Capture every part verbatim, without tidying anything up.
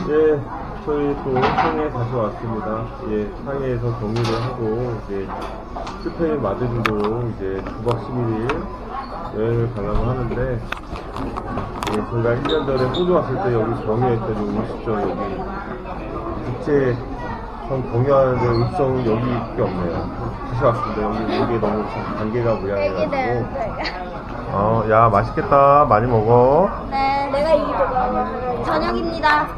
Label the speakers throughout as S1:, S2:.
S1: 예, 저희 또 상해에 다시 왔습니다. 예, 상해에서 격리를 하고 이제 스페인 마드리드로 이제 구 박 십일 일 여행을 가려고 하는데, 예, 저희가 일 년 전에 호주 왔을 때 여기 경유했더니 음식점 여기 국제 전 경유하는데 음식점 여기밖에 없네요. 다시 왔습니다. 여기 여기 너무 관계가 무량해가지고. 어, 야, 맛있겠다. 많이 먹어.
S2: 네, 내가 이거 저녁입니다.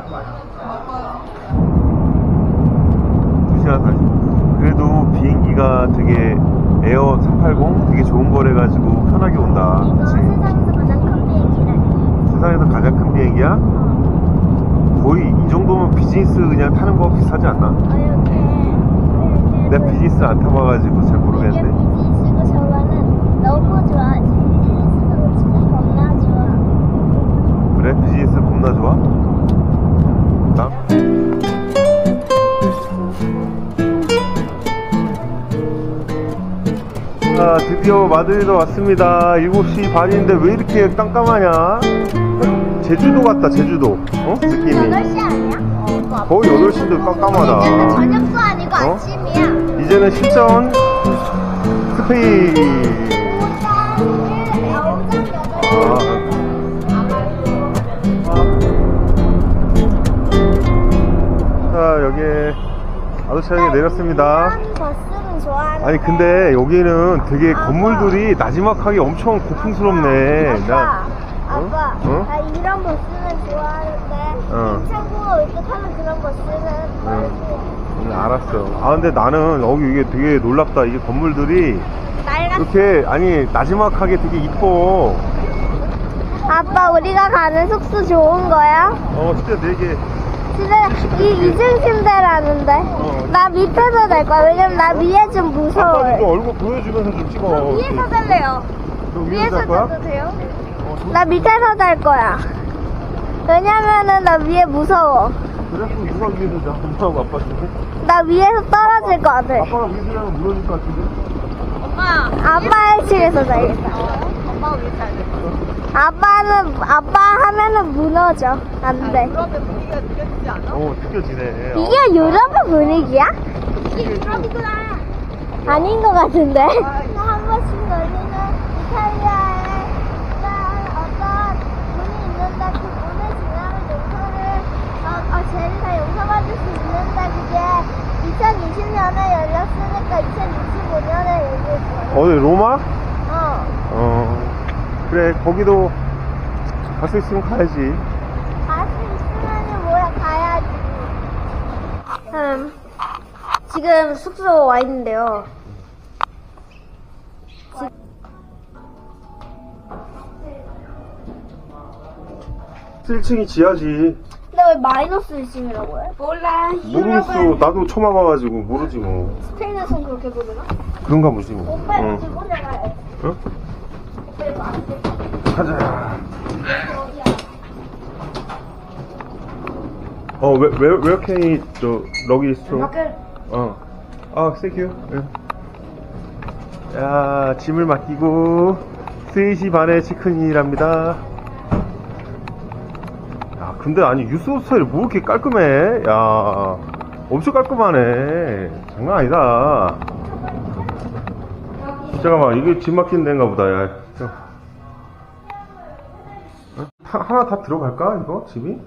S1: 두 시간 사십. 그래도 비행기가 되게 에어 삼백팔십 되게 좋은 거래가지고 편하게 온다.
S2: 이거
S1: 그치?
S2: 세상에서 가장 큰 비행기래.
S1: 세상에서 가장 큰 비행기야? 거의 이 정도면 비즈니스 그냥 타는 거 비슷하지 않나?
S2: 어, 이렇게.
S1: 내가 비즈니스 안 타봐가지고 잘 모르겠는데.
S2: 비즈니스고 저거는 너무 좋아. 비즈니스도 진짜 겁나 좋아.
S1: 그래? 비즈니스 겁나 좋아? 나? 아, 드디어 마드리드 왔습니다. 일곱 시 반인데 왜 이렇게 깜깜하냐? 제주도 같다, 제주도. 어? 느낌이.
S2: 여덟 시 아니야? 어,
S1: 거의 여덟 시인데 깜깜하다.
S2: 이제는 저녁도 아니고
S1: 어?
S2: 아침이야.
S1: 이제는 실전 스페인. 아. 자, 여기에 아도차역에 내렸습니다.
S2: 버스는 좋아하는데.
S1: 아니 근데 여기는 되게
S2: 아빠.
S1: 건물들이 나지막하게 엄청 고풍스럽네.
S2: 아빠,
S1: 나,
S2: 아빠,
S1: 어?
S2: 나 이런 버스는 좋아하는데
S1: 어.
S2: 인천공항 올 때 타는 그런 버스는
S1: 응, 알았어. 아 근데 나는 여기 이게 되게 놀랍다. 이게 건물들이
S2: 낡았어.
S1: 이렇게 아니 나지막하게 되게 이뻐.
S2: 아빠, 우리가 가는 숙소 좋은 거야?
S1: 어 진짜 되게.
S2: 침대, 이, 이중 침대라는데.
S1: 어.
S2: 나 밑에서 잘 거야. 왜냐면 나 위에 좀
S1: 아빠 좀
S2: 무서워요.
S1: 얼굴 보여주면서 좀 찍어.
S2: 저 위에서 잘래요.
S1: 너 위에서
S2: 위에서
S1: 잘 거야?
S2: 자도 돼요?
S1: 어, 저-
S2: 나 밑에서 잘 거야. 왜냐면은 나 위에 무서워.
S1: 그래? 그럼 누가 위에서 자? 엄마하고 아빠 중에?
S2: 나 위에서 떨어질 것 같아.
S1: 아빠가 위에서 자면 무너질 것 같은데?
S2: 아빠 일 층에서 자겠다.
S3: 엄마가 왜 살겠어?
S2: 아빠는, 아빠 하면은 무너져. 안 돼.
S3: 유럽의 분위기가 느껴지지 않아?
S1: 어 느껴지네.
S2: 이게 유럽의 분위기야?
S3: 이게 유럽이구나.
S2: 아닌 것 같은데. 한 번씩 열리는 이탈리아에 어떤 문이 있는데 그 문을 지나면 용서를 어, 어, 쟤를 다 용서받을 수 있는데 그게 이천이십 년에 열렸으니까 이천이십오 년에 열릴 거야.
S1: 어디 로마?
S2: 어.
S1: 어 그래 거기도 갈 수 있으면 가야지.
S2: 갈 수 있으면은 뭐야 가야지. 음, 지금 숙소 와 있는데요.
S1: 일 층이 지하지.
S2: 근데 왜 마이너스 일 층이라고 해? 몰라.
S1: 모르겠어. 나도 처음 와봐가지고 모르지 뭐.
S2: 스페인에선 그렇게 부르나?
S1: 그런가 보지 뭐.
S2: 오빠
S1: 응.
S2: 지금 혼자 가야
S1: 응?
S2: 오빠 이거 안 돼.
S1: 가자.
S2: 어디야?
S1: 어, 왜, 왜, where can I, 저, 러기 스토어?
S2: 밖에
S1: 어. 아, 땡큐. 응. 야, 짐을 맡기고, 세 시 반에 체크인이랍니다. 야, 근데 아니, 유스 호스텔이 뭐 이렇게 깔끔해? 야, 엄청 깔끔하네. 장난 아니다. 잠깐만, 이게 짐 맡기는 데인가 보다, 야. 저. 어? 하, 하나 다 들어갈까, 이거? 짐이?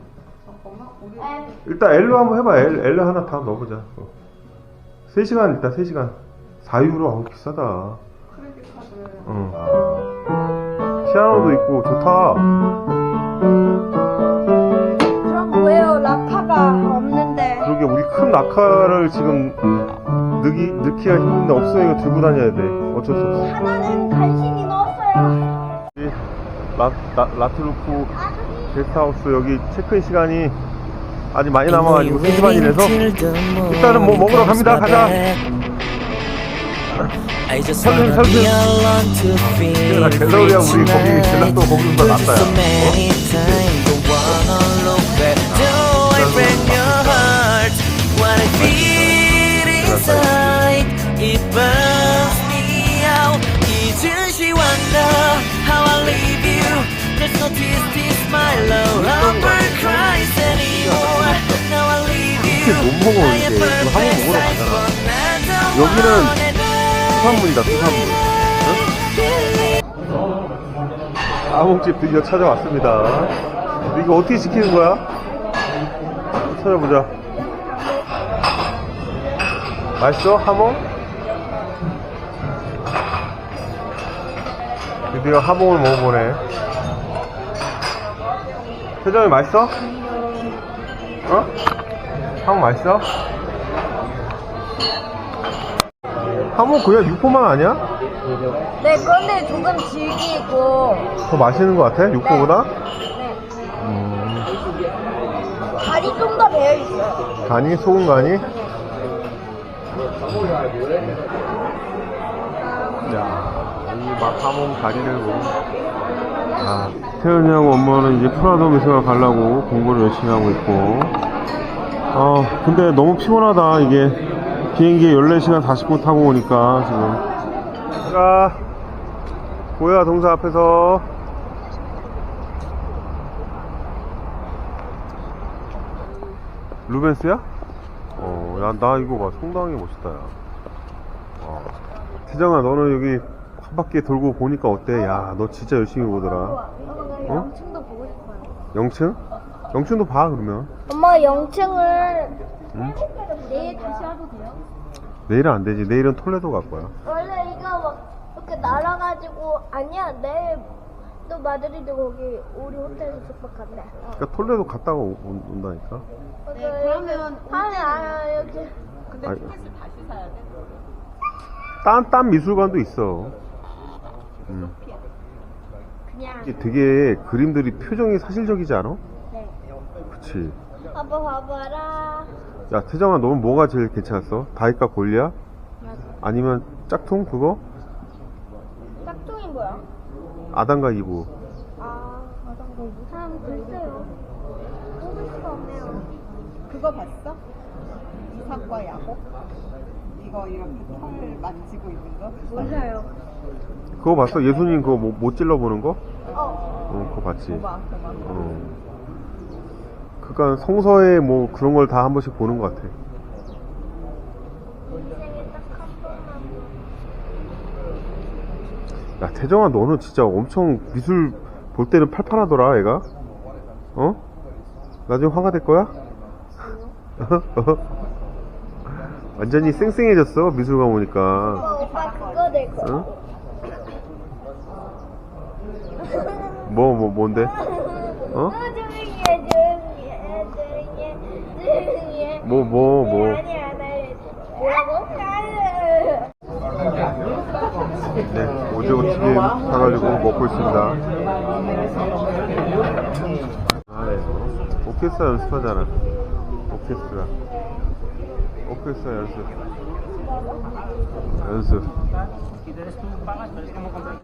S1: 일단 L로 한번 해봐. L, L 하나 다 넣어보자. 어. 세 시간 일단 세 시간. 사 유로. 아우 비싸다. 응. 피아노도 있고 좋다.
S2: 그럼 뭐예요? 라카가 없는데.
S1: 그러게 우리 큰 낙하를 지금 넣기, 넣기가 힘든데 없으니까 들고 다녀야 돼. 어쩔 수 없어.
S2: 하나는 간신히 넣었어요.
S1: 이 라, 라, 라트루프 게스트하우스 여기 체크인 시간이 아직 많이 남아가지고 세 시 반이라서 일단은 뭐 먹으러 갑니다. 가자. 설득 설득. 나 갤러리아 우리 거기 젤라또 거기보다 낫다.
S4: There's no tears, tears, my love, longer cries anymore.
S1: 못 먹어, 이제. 지금 한번 먹으러 가잖아. 여기는 수산물이다, 수산물. 응? 아몽집 드디어 찾아왔습니다. 이거 어떻게 시키는 거야? 찾아보자. 맛있어? 하몽? 드디어 하몽을 먹어보네. 표정이 맛있어? 어? 하몽 맛있어? 하몽 그냥 육포만 아니야?
S2: 네, 그런데 조금 질기고
S1: 더 맛있는 것 같아? 육포보다?
S2: 네.
S1: 음,
S2: 간이 좀 더 배어 있어요.
S1: 간이? 소금 간이? 야, 이 막 하몽 다리를 뭐. 아, 태연이하고 엄마는 이제 프라도 미술관 가려고 공부를 열심히 하고 있고. 어, 근데 너무 피곤하다, 이게. 비행기 열네 시간 사십 분 타고 오니까, 지금. 자, 고야 동사 앞에서. 루벤스야? 어, 야, 나 이거 봐. 상당히 멋있다, 야. 어. 태정아, 너는 여기 한 바퀴 돌고 보니까 어때? 야, 너 진짜 열심히 보더라. 어?
S2: 영층도 보고 싶어요.
S1: 영층? 영층도 봐, 그러면.
S2: 엄마 영층을
S1: 응?
S2: 내일 다시 하도 돼요?
S1: 내일은 안 되지. 내일은 톨레도 갈 거야.
S2: 원래 이거 막 이렇게 날아가지고 아니야 내일 또 마드리드 거기 우리 호텔에서 숙박한대.
S1: 그러니까 톨레도 갔다가 오- 온- 온다니까.
S3: 네, 그러면
S2: 아니 아니 여기
S3: 근데
S1: 아이.
S3: 티켓을 다시 사야 돼?
S1: 딴, 딴 미술관도 있어. 음.
S2: 그냥
S1: 이게 되게 그림들이 표정이 사실적이지 않아?
S2: 네.
S1: 그치.
S2: 아빠 봐봐라.
S1: 야, 태정아, 너는 뭐가 제일 괜찮았어? 다이카 골리야? 아니면 짝퉁 그거?
S2: 짝퉁이 뭐야?
S1: 아담과 이브.
S2: 아 맞아. 사람 글쎄요. 뽑을 수가 없네요.
S3: 그거 봤어? 이삭과 야곱? 이거 이렇게 털 만지고 있는 거?
S2: 몰라요.
S1: 그거 봤어? 예수님 그거 못, 못 찔러보는 거?
S2: 어.
S1: 어, 그거 봤지.
S3: 고마 고마
S1: 어. 그니까 성서에 뭐 그런 걸 다 한 번씩 보는 것 같아.
S2: 인생에 딱 한 번만.
S1: 야, 태정아, 너는 진짜 엄청 미술 볼 때는 팔팔하더라, 애가. 어? 나중에 화가 될 거야? 완전히 쌩쌩해졌어, 미술관 오니까.
S2: 오빠 오빠 그거 낼 거.
S1: 응? 뭐, 뭐, 뭔데? 어?
S2: 조용히 해 조용히 해 조용히 해 조용히 해.
S1: 뭐, 뭐, 뭐.
S2: 아니 안 해. 뭐라고?
S1: 네, 오징어 튀김 사가지고 먹고 있습니다. 아, 네. 오케스트라 연습하잖아. 오케스트라. 오케스트라 연습. 연습.